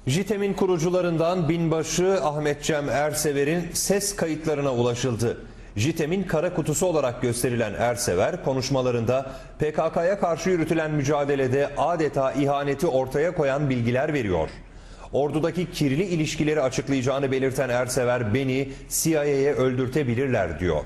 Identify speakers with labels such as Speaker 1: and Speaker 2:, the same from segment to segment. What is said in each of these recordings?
Speaker 1: JITEM'in kurucularından binbaşı Ahmet Cem Ersever'in ses kayıtlarına ulaşıldı. JITEM'in kara kutusu olarak gösterilen Ersever, konuşmalarında PKK'ya karşı yürütülen mücadelede adeta ihaneti ortaya koyan bilgiler veriyor. Ordudaki kirli ilişkileri açıklayacağını belirten Ersever, "Beni CIA'ye öldürtebilirler" diyor.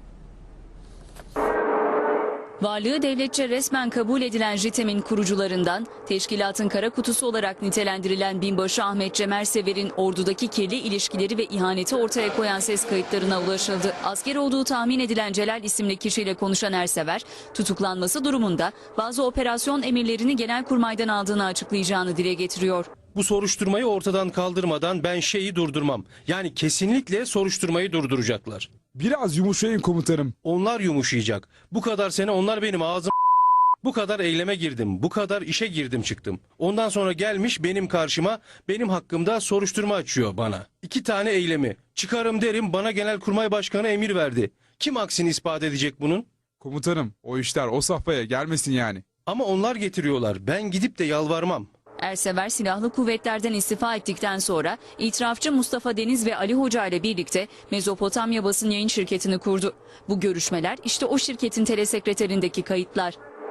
Speaker 2: Varlığı devletçe resmen kabul edilen JITEM'in kurucularından, teşkilatın kara kutusu olarak nitelendirilen binbaşı Ahmet Cem Ersever'in ordudaki kirli ilişkileri ve ihaneti ortaya koyan ses kayıtlarına ulaşıldı. Asker olduğu tahmin edilen Celal isimli kişiyle konuşan Ersever, tutuklanması durumunda bazı operasyon emirlerini Genelkurmay'dan aldığını açıklayacağını dile getiriyor.
Speaker 3: Bu soruşturmayı ortadan kaldırmadan ben şeyi durdurmam. Yani kesinlikle soruşturmayı durduracaklar.
Speaker 4: Biraz yumuşayın komutanım.
Speaker 3: Onlar yumuşayacak. Bu kadar sene onlar benim ağzım... Bu kadar eyleme girdim, bu kadar işe girdim çıktım. Ondan sonra gelmiş benim karşıma, benim hakkımda soruşturma açıyor bana. 2 tane eylemi. Çıkarım derim, bana Genelkurmay Başkanı emir verdi. Kim aksini ispat edecek bunun?
Speaker 4: Komutanım, o işler o safhaya gelmesin yani.
Speaker 3: Ama onlar getiriyorlar. Ben gidip de yalvarmam.
Speaker 2: Ersever silahlı kuvvetlerden istifa ettikten sonra itirafçı Mustafa Deniz ve Ali Hoca ile birlikte Mezopotamya Basın Yayın Şirketi'ni kurdu. Bu görüşmeler işte o şirketin telesekreterindeki kayıtlar.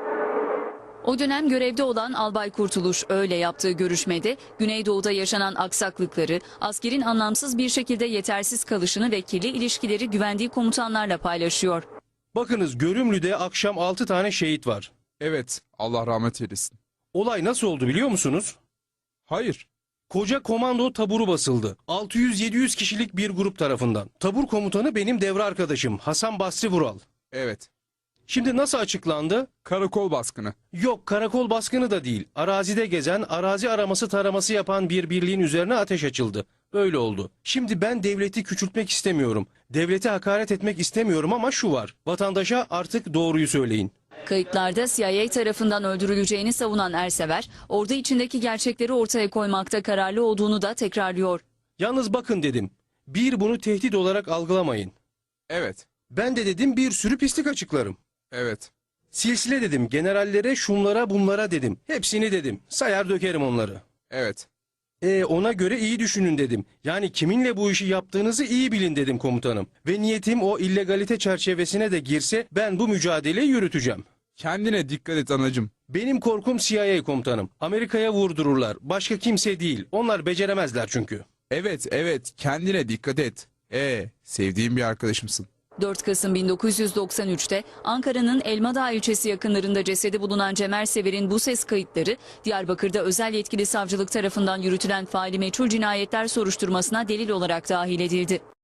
Speaker 2: O dönem görevde olan Albay Kurtuluş öyle yaptığı görüşmede Güneydoğu'da yaşanan aksaklıkları, askerin anlamsız bir şekilde yetersiz kalışını ve kirli ilişkileri güvendiği komutanlarla paylaşıyor.
Speaker 3: Bakınız, Görümlü'de akşam 6 tane şehit var.
Speaker 4: Evet, Allah rahmet eylesin.
Speaker 3: Olay nasıl oldu biliyor musunuz?
Speaker 4: Hayır.
Speaker 3: Koca komando taburu basıldı. 600-700 kişilik bir grup tarafından. Tabur komutanı benim devre arkadaşım Hasan Basri Vural.
Speaker 4: Evet.
Speaker 3: Şimdi nasıl açıklandı?
Speaker 4: Karakol baskını.
Speaker 3: Yok, karakol baskını da değil. Arazide gezen, arazi araması taraması yapan bir birliğin üzerine ateş açıldı. Böyle oldu. Şimdi ben devleti küçültmek istemiyorum. Devlete hakaret etmek istemiyorum ama şu var. Vatandaşa artık doğruyu söyleyin.
Speaker 2: Kayıtlarda CIA tarafından öldürüleceğini savunan Ersever, ordu içindeki gerçekleri ortaya koymakta kararlı olduğunu da tekrarlıyor.
Speaker 3: Yalnız bakın dedim. Bir, bunu tehdit olarak algılamayın.
Speaker 4: Evet.
Speaker 3: Ben de dedim bir sürü pislik açıklarım.
Speaker 4: Evet.
Speaker 3: Silsile dedim, generallere, şunlara, bunlara dedim. Hepsini dedim. Sayar dökerim onları.
Speaker 4: Evet.
Speaker 3: Ona göre iyi düşünün dedim. Yani kiminle bu işi yaptığınızı iyi bilin dedim komutanım. Ve niyetim o illegalite çerçevesine de girse ben bu mücadeleyi yürüteceğim.
Speaker 4: Kendine dikkat et anacığım.
Speaker 3: Benim korkum CIA komutanım. Amerika'ya vurdururlar. Başka kimse değil. Onlar beceremezler çünkü.
Speaker 4: Evet, kendine dikkat et. Sevdiğim bir arkadaşımsın.
Speaker 2: 4 Kasım 1993'te Ankara'nın Elmadağ ilçesi yakınlarında cesedi bulunan Cem Ersever'in bu ses kayıtları Diyarbakır'da özel yetkili savcılık tarafından yürütülen faili meçhul cinayetler soruşturmasına delil olarak dahil edildi.